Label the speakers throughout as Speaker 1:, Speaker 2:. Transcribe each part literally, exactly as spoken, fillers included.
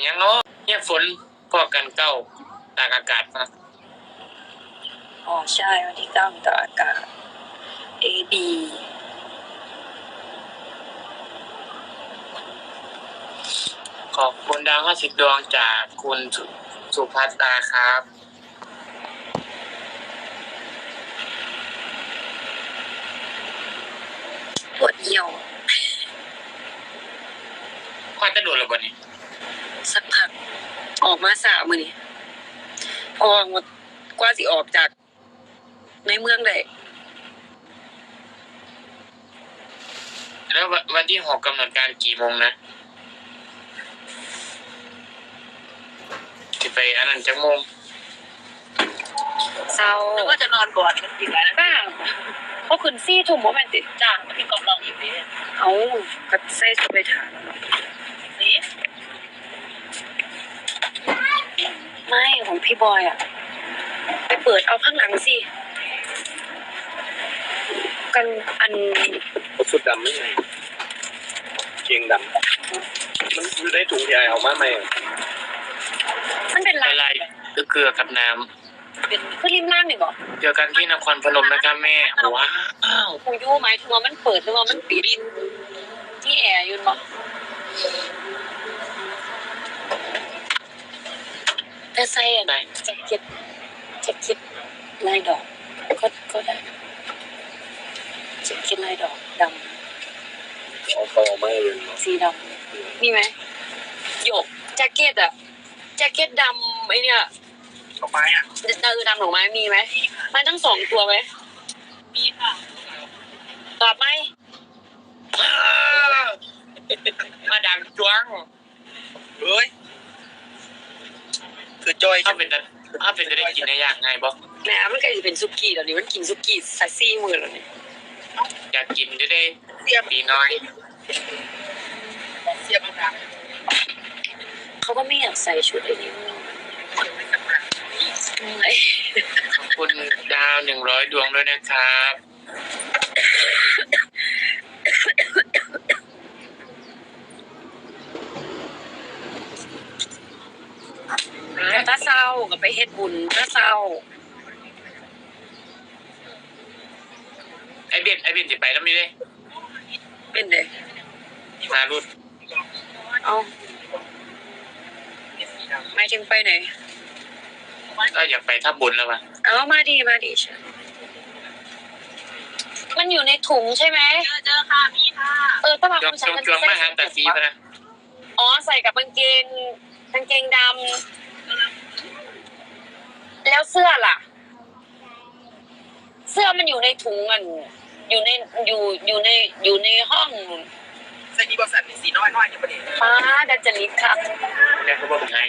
Speaker 1: ยังเนาะเนี่ยฝนพอกันเก้าตากอากาศมา
Speaker 2: อ๋อใช่วันที่เก้าตากอากาศ A B
Speaker 1: ขอบคุณดาวห้าสิบดวงจากคุณสุภัตราครับ
Speaker 2: ปวดเหี่ยว
Speaker 1: ควันจะโดนหรือเปล่านี่
Speaker 2: สักพักออกมาสามมื้อนี้พอกว่าสิออกจากในเมืองได้
Speaker 1: แล้ววันที่หกกำหนดการกี่โมงนะที่ไปอันนั้นจังโมง
Speaker 2: เศร้า
Speaker 3: แล้วก็จะนอนก่อนอีกแล้วนะ
Speaker 2: บ้าเขาขึ้นซี่ทุ่มบ่แม่นติ
Speaker 3: จ้างพี่กองลองอีกนิด
Speaker 2: เอาก็ใส่ชุดไปถาม
Speaker 3: สิ
Speaker 2: ไม่ของพี่บอยอ่ะไปเปิดเอาข้างหลังสิกันอัน
Speaker 4: สุดดำไม่ไงเกงดำมันอยู่ในถุงใหญ่เอามาไหม
Speaker 2: มันเป็นลาย
Speaker 1: อะไรเกลือกับน้
Speaker 2: ำเป็นคือริมล่างนี่บ่
Speaker 1: เจอกันที่นครพนมนะครับแม่ว้าว
Speaker 2: กูยู่หมายถึงว่ามันเปิดหรือว่ามันปิดที่แอร์อยู่บ่แต่ใส่อันไหนแจ็คเก็ตแจ็คเก็ตลายดอกก็ก็ได้แจ็คเก็ตลายดอกดำ
Speaker 4: เอาเขาเอามาเลย
Speaker 2: สีดำมีไหมหยกแจ็คเก็ตอะแจ็คเก็ตดำไอเนี่ย
Speaker 4: ดอกไม้อ่ะ
Speaker 2: เออดำดอกไม้มีไหมมันทั้งสองตัวไหม
Speaker 3: มีค่ะ
Speaker 2: ตอบไหม
Speaker 1: มาดังจ้วง
Speaker 4: เฮ้ยคือจอย
Speaker 1: ถ้าเป็นถ้าเป็นจะได้กินในอย่างไงบ่
Speaker 2: แหมมันก็จะเป็นซุกี้แล้วนี่มันกินซุกี้ซัสซี่มือแล้วนี่
Speaker 1: อยากกินจะได้เสียปีน้อย
Speaker 3: เสียบดัง
Speaker 2: เขาก็ไม่อยากใส่ชุดไอ้นี่
Speaker 1: ขอบคุณดาวหนึ่งร้อยดวงด้วยนะครับ
Speaker 2: ถ้าเศร้าก็ไปเฮ็ดบุญถ้าเศร้า
Speaker 1: ไอเบนไอเบนจะไปแล้วมีเลย
Speaker 2: เป็นเลย
Speaker 1: มารุด
Speaker 2: เอาไม่ถึงไปไหน
Speaker 1: ก็อยากไปทับบุญแล้วป่ะ
Speaker 2: เอามาดีมาดีใช่มันอยู่ในถุงใช่ไหม
Speaker 3: เจอเจอค่ะมีค่ะ
Speaker 2: เออป้าบาง
Speaker 1: คนใส่จวงมาหาแต่สีป่ะนะ
Speaker 2: อ๋อใส่กับกางเกงกางเกงดำแล้วเสื้อล่ะเสื้อมันอยู่ในถุงมันอยู่ในอยู่อยู่ในอยู่ในห้อง
Speaker 3: ใส่ดีบอสันสีน้อยน้อยอยู่ประเดี๋ยว
Speaker 2: ป้าดัจริตครับ
Speaker 1: แม่เขาบอกไง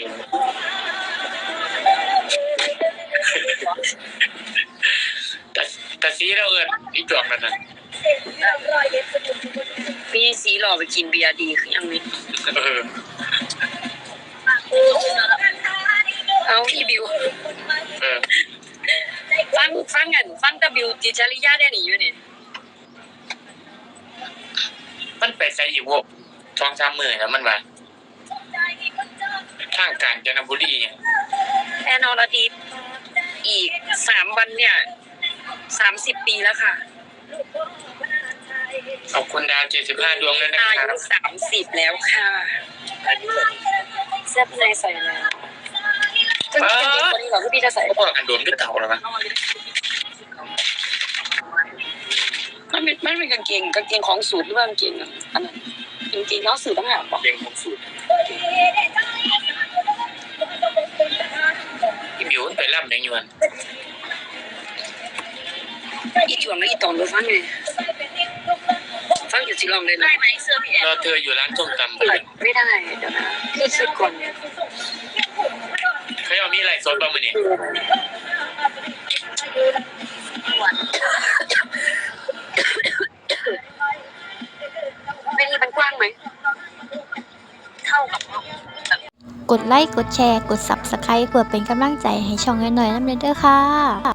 Speaker 1: แต่แต่สีเราเอิญอีจวงนั่นน่ะ
Speaker 2: มีสีหล่อไปกินเบียร์ดีคือยังนี้
Speaker 1: เออ
Speaker 2: เอาอีบิว
Speaker 1: เออ
Speaker 2: ฟังฟังกันฟังตะบิวจิจาริยาได้หนิอยู่นี่
Speaker 1: มันไปใส่อยู่วกสองสามหมื่นแล้วมันว่าทางกาญจนบุรีเนี่ย
Speaker 2: แอนอรดีอีกสามวันเนี่ยสามสิบปีแล้วค่ะ
Speaker 1: ขอบคุณดาวเจ็ดสิบห้าดวงเลยนะครับ
Speaker 2: อายุสามสิบแล้วค่ะเสื้อในใส่แล้วซึ่งเป็นเด็กคนนี้เหรอที่พี่จะใส่
Speaker 1: ก็อันโดนด้วยเต่าหรอวะ
Speaker 2: มันเป็นมันเป็นกางเกงกางเกงของสูตรหรือว่ากางเกงอันนั้นกางเกงน้องสูตรต้องหาบอก
Speaker 1: เกงของสูตรอีบิวไปร่ำในยวน
Speaker 2: อีจวงแล้วอีตอนรู้ฟังไงฟังอยู่ที่ลองเลยนะ
Speaker 3: ได้ไหมเสื้อพี่แอน
Speaker 1: รอเธออยู่ร้านส้มตำ
Speaker 2: ไม่ได้เดี๋ยวนะคือสิบคน
Speaker 1: เขาเอามีอะไรซดบ้างมั้ยเนี่ย
Speaker 2: ไม่มีมันกว้างไหมเท่ากับ
Speaker 5: กดไลค์กดแชร์กด ซับสไครบ์ เพื่อเป็นกำลังใจให้ช่องน้อยๆน้ำเด้อค่ะ